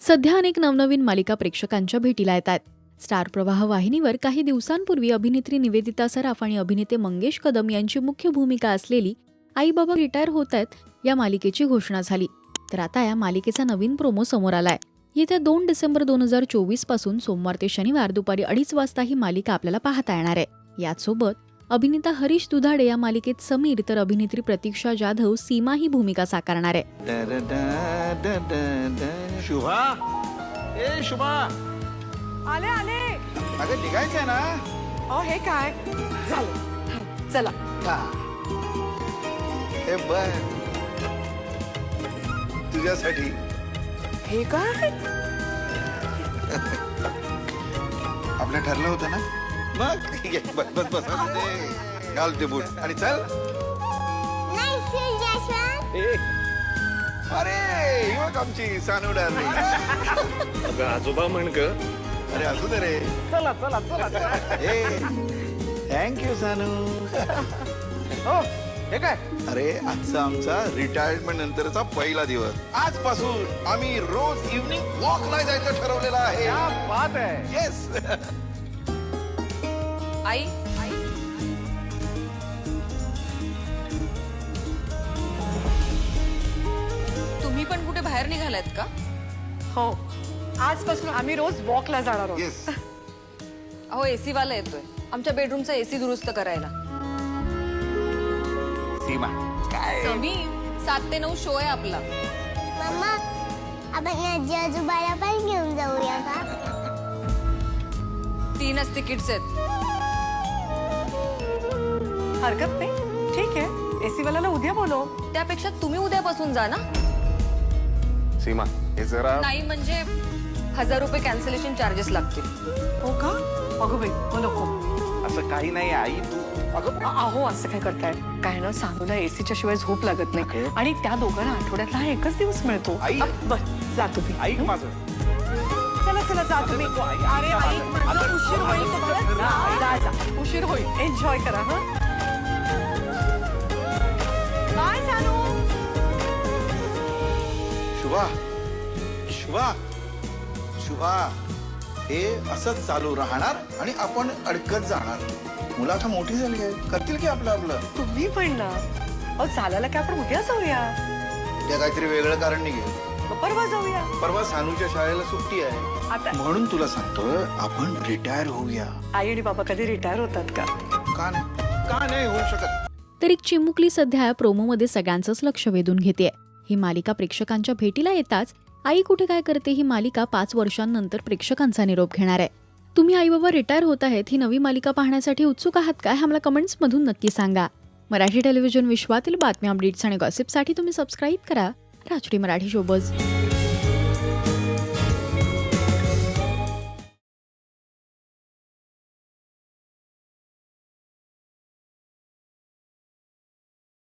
सध्या अनेक नवनवीन मालिका प्रेक्षकांच्या भेटीला येतात. स्टार प्रवाह वाहिनीवर काही दिवसांपूर्वी अभिनेत्री निवेदिता सराफ आणि अभिनेते मंगेश कदम यांची मुख्य भूमिका असलेली आई बाबा रिटायर होत आहेत या मालिकेची घोषणा झाली. तर आता या मालिकेचा नवीन प्रोमो समोर आलाय. येत्या 2 डिसेंबर 2024 पासून सोमवार ते शनिवार दुपारी 2:30 वाजता ही मालिका आपल्याला पाहता येणार आहे. याचसोबत अभिनेता हरीश दुधाडे या मालिकेत समीर तर अभिनेत्री प्रतीक्षा जाधव सीमा ही भूमिका साकारणार आहे. शुभा, ए शुभा, आले आले. अगं निघायचंय ना. हे काय झालं? चला. हे बर तुझ्यासाठी. हे काय? आपलं ठरलं होतं ना. मग ये, बस बस बस ते घाल ते बूट आणि चल. ए, अरे ही बघ आमची सानू डार्लिंग. अगं आजोबा म्हण ग. अरे असू दे रे. चला चला चला. ए थँक्यू सानू. हो हे काय? अरे आजचा आमचा रिटायरमेंट नंतरचा पहिला दिवस. आजपासून आम्ही रोज इव्हनिंग वॉकला जायचं ठरवलेलं आहे. क्या बात आहे. येस. आई तुम्ही पण कुठे बाहेर निघालात का? हो, आजपासून आम्ही रोज वॉकला जाणार आहोत. येस. अहो एसी वाला येतोय आमच्या बेडरूमचा एसी दुरुस्त करायला. सीमा काय समीर 7 ते 9 शो आहे आपला. मम्मा, आपण आजी आजोबाला पण घेऊन जाऊया का? 3च तिकीट्स आहेत. हरकत नाही, ठीक आहे. एसी वाल्याला उद्या बोलव. त्यापेक्षा तुम्ही उद्यापासून जा ना. सीमा हे जरा नाही म्हणजे 1000 रुपये कॅन्सलेशन चार्जेस लागतील. हो का? अगो बाई, हो नको. असं काही नाही आई. तू अगं अहो असं काय करताय? काय ना, सानूला एसीच्या शिवाय झोप लागत नाही आणि त्या दोघांना आठवड्यातला हा एकच दिवस मिळतो. आई. बर, जा तुम्ही. ऐक माझं. चला चला, जा तुम्ही. अरे आई, माझं उशीर होईल तुम्हाला. जा जा, उशीर होईल. एन्जॉय करा. हा, बाय सानू. शुभा, शुभा, शुभा, हे असंच चालू राहणार आणि आपण अडकत जाणार. मुलं आता मोठी झाली आहे, करतील की आपलं आपलं. तुम्ही पण ना. अहो चालायला काय आपण उद्या जाऊया? त्या काहीतरी वेगळं कारण निघेल. मग परवा जाऊया. परवा सानूच्या शाळेला सुट्टी आहे. आता म्हणून तुला सांगतोय आपण रिटायर होऊया. आई आणि बाबा कधी रिटायर होतात का? का नाही, का नाही होऊ शकत. तर एक चिमुकली सध्या या प्रोमोमध्ये सगळ्यांचंच लक्ष वेधून घेतेय. ही मालिका प्रेक्षकांच्या भेटीला येताच आई कुठे काय करते ही मालिका 5 वर्षांनंतर प्रेक्षकांचा निरोप घेणार आहे. तुम्ही आई बाबा रिटायर होत आहेत ही नवी मालिका पाहण्यासाठी उत्सुक आहात का? हे आम्हाला कमेंट्समधून नक्की सांगा. मराठी टेलिव्हिजन विश्वातील बातम्या, अपडेट्स आणि गॉसिपसाठी तुम्ही सबस्क्राईब करा राजडी मराठी शोबज.